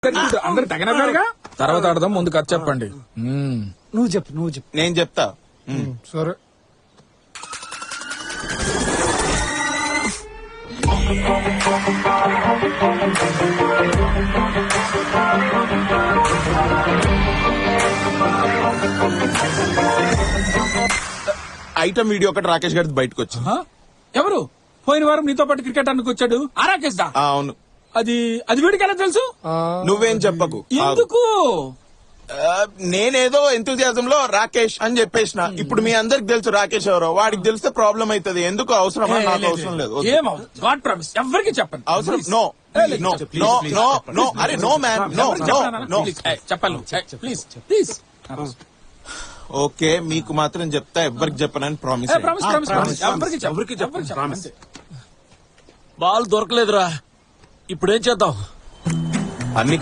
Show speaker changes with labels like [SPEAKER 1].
[SPEAKER 1] అందరు తగినగా తర్వాత ఆడదాం. ముందు కథ చెప్పండి.
[SPEAKER 2] నువ్వు చెప్పు.
[SPEAKER 3] నేను చెప్తా.
[SPEAKER 1] సరే.
[SPEAKER 3] ఐటమ్ వీడియో ఒకటి రాకేష్ గారి బయటకు వచ్చింది.
[SPEAKER 1] ఎవరు? పోయిన వారం నీతో పాటు క్రికెట్ ఆడడానికి వచ్చాడు ఆ రాకేష్ దా?
[SPEAKER 3] అవును.
[SPEAKER 1] అది వీడికి ఎలా తెలుసు?
[SPEAKER 3] నువ్వేం చెప్పకు.
[SPEAKER 1] ఎందుకు?
[SPEAKER 3] నేనేదో ఎంతూజియాజం లో రాకేష్ అని చెప్పేసిన. ఇప్పుడు మీ అందరికి తెలుసు రాకేష్ ఎవరో. వాడికి తెలిస్తే ప్రాబ్లం అవుతుంది. ఎందుకు అవసరమా? నాకు అవసరం లేదు.
[SPEAKER 1] గాడ్ ప్రామిస్ ఎవరికి చెప్పండి.
[SPEAKER 3] అవసరం no no no no no. అరే no man, no no no.
[SPEAKER 1] చెప్పాలి ప్లీజ్ ప్లీజ్.
[SPEAKER 3] ఓకే, మీకు మాత్రం చెప్తా, ఎవ్వరికి చెప్పనని ప్రామిస్.
[SPEAKER 1] ఎవరికి చెప్పండి.
[SPEAKER 4] బాల్ దొరకలేదురా, ఇప్పుడేం చేద్దాం?
[SPEAKER 3] అన్ని